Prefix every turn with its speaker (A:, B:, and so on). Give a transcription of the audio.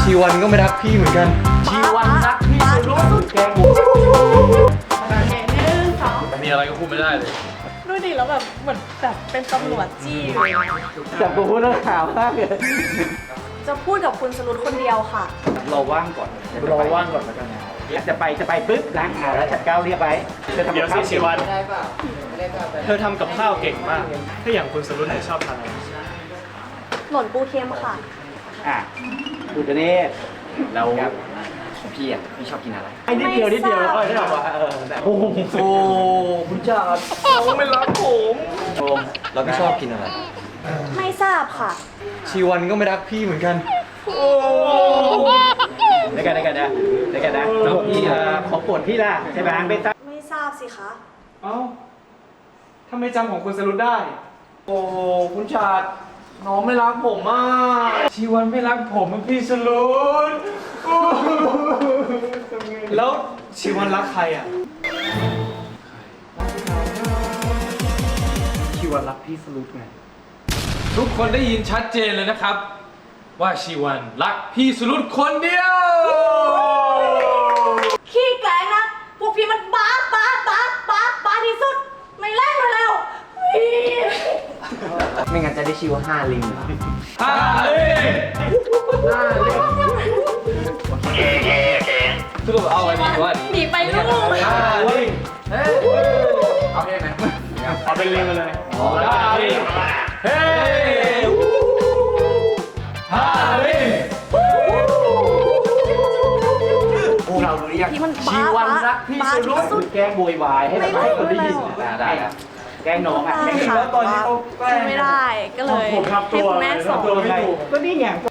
A: ชีวันก็ไม่รักพี่เหมือนกันชีวันรักพี่สุดแกง
B: โอเค1 2
A: มีอะไรก็พูดไม่ได้เลย
B: ดูดิแล้วแบบเหมือนแบบเป็นตำรวจจี้เลย
C: จับกูพูดแล้วข่าวมากเลย
B: จะพูดกับคุณสรุปคนเดียวค่ะ
C: รอว่างก่อน
A: รอว่างก่อนแล้วกันนะ
C: จะไปปุ๊บล้างขาแล้วจัดก้าวเรียบไว้เดี๋ยวสิชีวัน
A: เธอทำกับข้าวเก่งมาก ถ้าอย่างคุณสรุปไหนชอบทานอะไร
B: หล่นปูเค็มค่ะ
C: อ่ะดูตัวนี้
D: แล้วพี่อ่ะพี่ชอบกินอะไร
C: ไอ้นิดเดียวแล้วก็ได้หรอวะโอ้โห
D: โอ้คุณจ่า
A: เขาไม่รักผม
D: โอมแล้วพี่ชอบกินอะไร
B: ไม่ทราบค่ะ
A: ชีวันก็ไม่รักพี่เหมือนกัน
C: ได้กันนะแล้วพี่ของโปรดพี่ล่ะใช่ไหมไม่ตั้ง
B: ไม่ทราบสิคะ
A: เอ้าทำไมจำของคุณสรุปได้
D: โอ้คุณชาดน้องไม่รักผมอ่ะ
A: ชีวันไม่รักผมมันพี่สรุปแล้วชีวันรักใครอ่ะ ชีวันรักพี่สรุปไง ทุกคนได้ยินชัดเจนเลยนะครับ ว่าชีวันรักพี่สรุปคนเดียว
B: ขี้แกล้งนะพวกพี่มันบ้าที่สุด ไม่เล่นมาแล้วพี่
D: ไม่งั้นจะได้ชื่อว่า5 ลิงเหรอ
A: ฮาเล่สรุปเอาอันนี้ว่า
B: หนีไปลูก
A: ฮาเล่
D: เอาเพลงไหน
A: เอาเป็นลิงมาเลยฮาเล่เฮ้ฮาเล่
D: พวกเรารู้หรือยัง
B: พี่มัน
C: ชีวันรักพี่สุด
B: ที่สุด
C: แกล้งโวยวายให้แบบให้คนได้ยิน
D: ได้ครับ
C: แกล้งน้องอ่ะ
B: ได้ค่ะ
C: แล้วตอนนี้เขา
B: ช่วยไม่ได้ก็เลยให้คุณแม่สอน
C: ก็นี่ไงก็